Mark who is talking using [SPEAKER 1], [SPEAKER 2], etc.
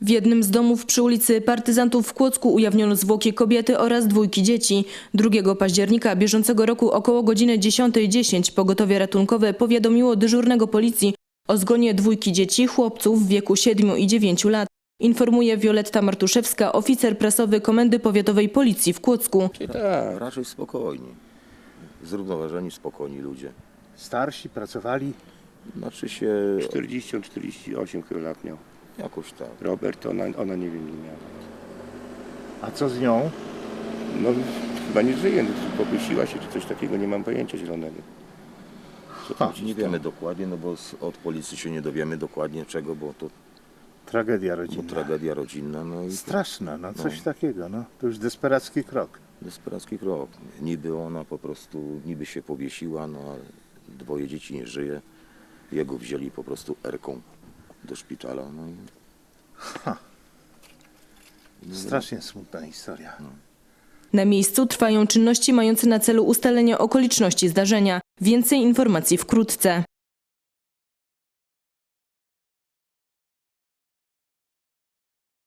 [SPEAKER 1] W jednym z domów przy ulicy Partyzantów w Kłodzku ujawniono zwłoki kobiety oraz 2 dzieci. 2 października bieżącego roku około godziny 10:10 pogotowie ratunkowe powiadomiło dyżurnego policji o zgonie 2 dzieci, chłopców w wieku 7 i 9 lat. Informuje Wioletta Martuszewska, oficer prasowy Komendy Powiatowej Policji w Kłodzku.
[SPEAKER 2] Tak, raczej spokojni. Zrównoważeni, spokojni ludzie.
[SPEAKER 3] Starsi, pracowali.
[SPEAKER 2] Znaczy się
[SPEAKER 4] 40-48 chyba lat miał.
[SPEAKER 2] jakoś tak.
[SPEAKER 4] Robert, ona nie wiem, nie miała.
[SPEAKER 3] A co z nią?
[SPEAKER 4] No chyba nie żyje, poprosiła się czy coś takiego, nie mam pojęcia zielonego. Co tam się
[SPEAKER 2] Nie
[SPEAKER 4] stało?
[SPEAKER 2] wiemy dokładnie, no bo od policji się nie dowiemy dokładnie czego, bo to
[SPEAKER 3] Tragedia rodzinna.
[SPEAKER 2] tragedia rodzinna. No i
[SPEAKER 3] Straszna, no coś takiego, no. To już desperacki krok.
[SPEAKER 2] desperacki krok. Niby ona po prostu, niby się powiesiła, no ale 2 dzieci nie żyje. Jego wzięli po prostu erką do szpitala. No i
[SPEAKER 3] Strasznie smutna historia.
[SPEAKER 1] Na miejscu trwają czynności mające na celu ustalenie okoliczności zdarzenia. Więcej informacji wkrótce.